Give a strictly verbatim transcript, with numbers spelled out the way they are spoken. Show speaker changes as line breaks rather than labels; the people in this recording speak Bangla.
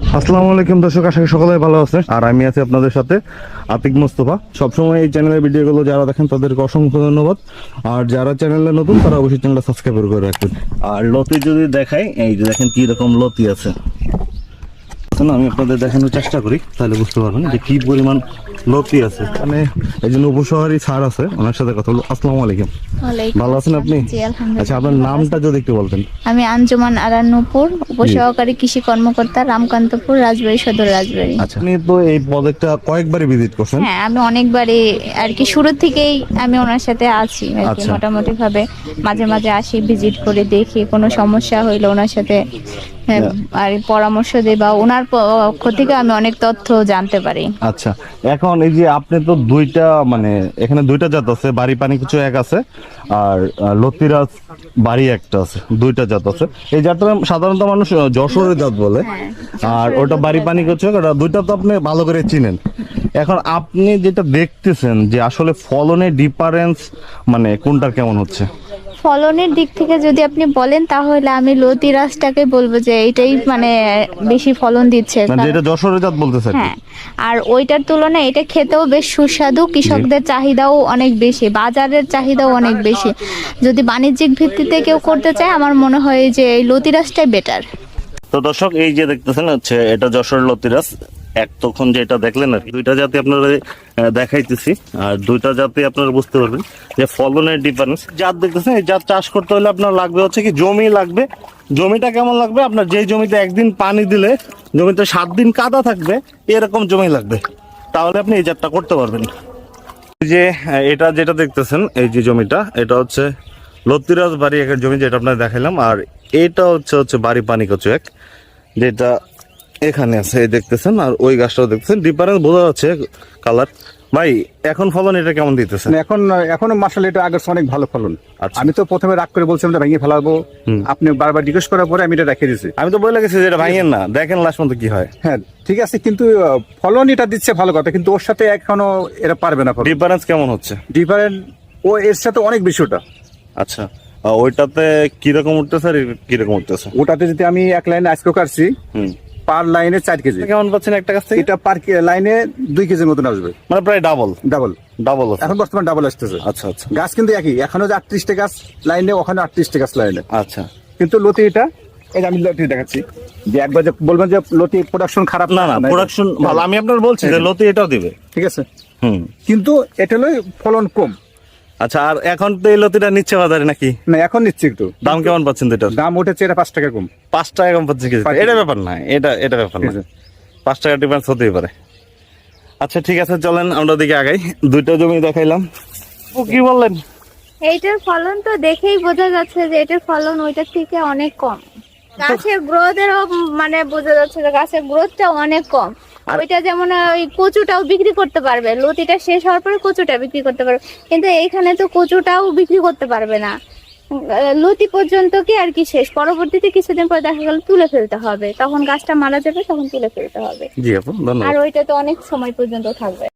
আসসালামু আলাইকুম দর্শক, আশা করি সকলে ভালো আছেন। আর আমি আছি আপনাদের সাথে আতিক মোস্তফা। সবসময় এই চ্যানেলের ভিডিওগুলো যারা দেখেন তাদেরকে অসংখ্য ধন্যবাদ। আর যারা চ্যানেলে নতুন তারা অবশ্যই চ্যানেলটা সাবস্ক্রাইব করে রাখবেন। আর লতি যদি দেখাই, এই যে দেখেন কি রকম লতি আছে, আমি আপনাদের দেখানোর চেষ্টা করি, তাহলে বুঝতে পারবেন যে কি পরিমাণ লতি আছে। মানে এই জন্য উপশহরী স্যার আছে, ওনার সাথে কথা বলবো। আসসালামু আলাইকুম। ভালো আছেন আপনি? আচ্ছা, আপনার নামটা যদি একটু বলতেন।
আমি আঞ্জুমান আরা নূপুর, উপসহকারী কৃষি কর্মকর্তা, রামকান্তপুর, রাজবাড়ী সদর, রাজবাড়ী।
আচ্ছা, আপনি তো এই প্রজেক্টটা কয়েকবারই ভিজিট করছেন?
হ্যাঁ, আমি অনেকবারই আর কি শুরু থেকেই আমি ওনার সাথে আছি আর কি।
আচ্ছা।
মোটামুটি ভাবে মাঝে মাঝে আসি, ভিজিট করে দেখি, কোনো সমস্যা হইলে ওনার সাথে হ্যাঁ, আর পরামর্শ দেই বা ওনার পক্ষ থেকে আমি অনেক তথ্য জানতে পারি।
আচ্ছা, এখন এই যে আপনি তো দুইটা মানে এখানে দুইটা জাত আছে, বাড়ি পানি কিছু এক আছে, আর আহ, লতিরাজ বাড়ি একটা আছে, দুইটা জাত আছে। এই জাতটা সাধারণত মানুষ আহ, যশোরের জাত বলে, আর ওটা বাড়ি পানি কিছু এক, ওটা দুইটা তো আপনি ভালো করে চিনেন। এখন আপনি যেটা দেখতেছেন যে আসলে ফলনের ডিফারেন্স মানে কোনটার কেমন হচ্ছে?
ফলনের দিক থেকে যদি আপনি বলেন তাহলে আমি লতিরাজটাকে বলবো যে এটাই মানে বেশি ফলন দিচ্ছে।
মানে যেটা যশোরের জাত বলতেছেন?
হ্যাঁ, আর ওইটার তুলনায় এটা খেতেও বেশ সুস্বাদু, কৃষকদের চাহিদাও অনেক বেশি, বাজারের চাহিদাও অনেক বেশি। যদি বাণিজ্যিক ভিত্তিতে কেউ করতে চায় আমার মনে হয় যে এই লতিরাজটাই বেটার।
তো দর্শক, এই যে দেখতেছেন হচ্ছে এটা যশোর লতিরাজ। এক তখন যেটা দেখলেন আর কি, দুইটা জাতি আপনারা দেখাইতেছি, আর দুইটা জাতি আপনারা বুঝতে পারবেন যে ফলনের ডিফারেন্স। জাত দেখতেছেন, এই জাত চাষ করতে হলে আপনার লাগবে হচ্ছে কি জমি লাগবে। জমিটা কেমন লাগবে? আপনার যে জমিতে একদিন পানি দিলে জমিতে সাত দিন কাদা থাকবে, এরকম জমি লাগবে, তাহলে আপনি এই জাতটা করতে পারবেন। এই যে এটা যেটা দেখতেছেন, এই যে জমিটা, এটা হচ্ছে লতিরাজ বাড়ি একের জমি, যেটা আপনার দেখাইলাম। আর এটা হচ্ছে হচ্ছে বাড়ি পানি কচু এক, যেটা এখানে আছে, এই দেখতেছেন। আর ওই গাছটাও দেখতেছেন, ডিফারেন্স বোঝা যাচ্ছে কালার। ভাই, এখন ফলন এটা কেমন দিতেছে?
এখন এখনো মাসাল এটা আগের চেয়ে অনেক ভালো ফলন।
আচ্ছা।
আমি তো প্রথমে রাগ করে বলছিলাম এটা ভেঙে ফেলাবো, আপনি বারবার জিজ্ঞেস করার পরে আমি এটা রেখে দিয়েছি।
আমি তো বলে গেছি যে এটা ভাঙেন না, দেখেন লাস্ট পর্যন্ত কি হয়।
হ্যাঁ ঠিক আছে, কিন্তু আহ, ফলন এটা দিচ্ছে ভালো কথা, কিন্তু ওর সাথে এখনো এরা পারবে না।
ডিফারেন্স কেমন হচ্ছে?
ডিফারেন্ট ও এর সাথে অনেক বেশি ওটা।
আচ্ছা, আহ, ওইটাতে কিরকম উঠতেছে আর কিরকম উঠতেছে?
ওটাতে যদি আমি এক লাইনে আজকে কাটছি,
হুম,
পার লাইনে চার কেজি।
কেমন পাচ্ছেন একটা গাছ থেকে?
এটা পার লাইনে দুই কেজির মতন আসবে,
মানে প্রায় ডাবল।
ডাবল
ডাবল
এখন বর্তমান ডাবল আসতেছে।
আচ্টা আচ্ছা
গাছ কিন্তু একই, এখনো যে আটত্রিশটা গাছ লাইনে, ওখানে আটত্রিশটা গাছ লাইনে।
আচ্ছা,
কিন্তু লতি এটা, এই যে আমি লতি দেখাচ্ছি, যে একবার যে বলবেন যে লতি প্রোডাকশন খারাপ,
না না, প্রোডাকশন ভালো। আমি আপনার বলছি যে লতি এটাও দিবে,
ঠিক আছে,
হুম,
কিন্তু এটা হলো ফলন কম।
আচ্ছা, আর এখন তো এই লতিটা নিচ্ছে বাজারে নাকি?
না, এখন নিচ্ছে একটু।
দাম কেমন পাচ্ছেন তো এটার?
দাম উঠেছে এটা পাঁচ টাকা কম।
পাঁচ টাকা কম পাচ্ছে কেজি?
পাঁচ
এটা
টাকা।
ব্যাপার না, এটা এটা ব্যাপার না,
ঠিক আছে।
পাঁচ টাকা ডিফারেন্স হতেই পারে। আচ্ছা ঠিক আছে, চলেন আমরা দিকে আগাই। দুইটা জমি দেখাইলাম, ও কি বললেন?
এইটার ফলন তো দেখেই বোঝা যাচ্ছে যে এটার ফলন ওইটার থেকে অনেক কম। গাছের গ্রোথেরও মানে বোঝা যাচ্ছে যে গাছের গ্রোথটা অনেক কম। ওইটা যেমন ওই কচুটাও বিক্রি করতে পারবে, লতিটা শেষ হওয়ার পরে কচুটা বিক্রি করতে পারবে, কিন্তু এইখানে তো কচুটাও বিক্রি করতে পারবে না। লতি পর্যন্ত কি আর কি শেষ, পরবর্তীতে কিছুদিন পর দেখা গেল তুলে ফেলতে হবে, তখন গাছটা মারা যাবে, তখন তুলে ফেলতে হবে।
জি আপু, ধন্যবাদ।
আর ওইটা তো অনেক সময় পর্যন্ত থাকবে।